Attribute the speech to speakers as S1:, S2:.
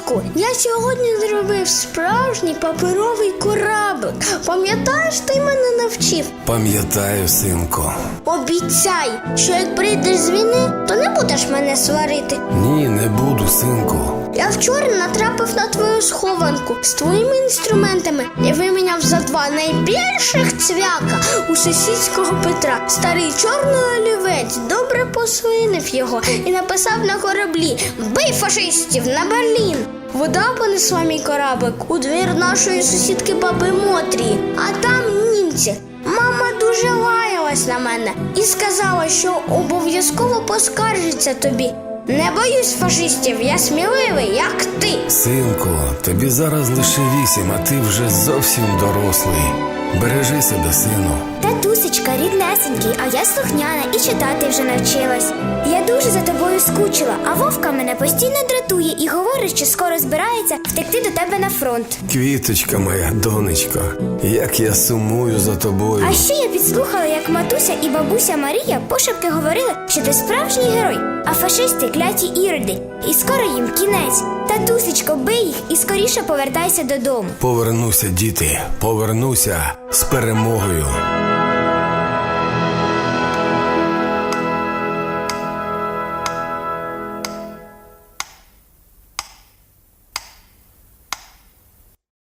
S1: Татку, я сьогодні зробив справжній паперовий кораблик. Пам'ятаєш, ти мене навчив?
S2: Пам'ятаю, синку.
S1: Обіцяй, що як прийдеш з війни, то не будеш мене сварити.
S2: Ні, не буду, синку.
S1: Я вчора натрапив на твою схованку з твоїми інструментами і виміняв за 2 найбільших цвяка у сусідського Петра. Старий чорний олівець добре посвинив його і написав на кораблі: «Бий фашистів на Берлін!» Вода понесла мій кораблик у двір нашої сусідки баби Мотрії, а там німці. Мама дуже лаялась на мене і сказала, що обов'язково поскаржиться тобі. Не боюсь фашистів, я сміливий, як ти.
S2: Синку, тобі зараз лише 8, а ти вже зовсім дорослий. Бережи себе, сину.
S3: Татусечка, ріднесенький, а я слухняна і читати вже навчилась. Я дуже за тобою скучила, а Вовка мене постійно дратує і говорить, що скоро збирається втекти до тебе на фронт.
S2: Квіточка моя, донечко, як я сумую за тобою.
S3: А ще я підслухала, як матуся і бабуся Марія пошепки говорили, що ти справжній герой, а фашисти кляті іроди, і скоро їм кінець. Татусечко, бий їх і скоріше повертайся додому.
S2: Повернуся, діти, повернуся з перемогою.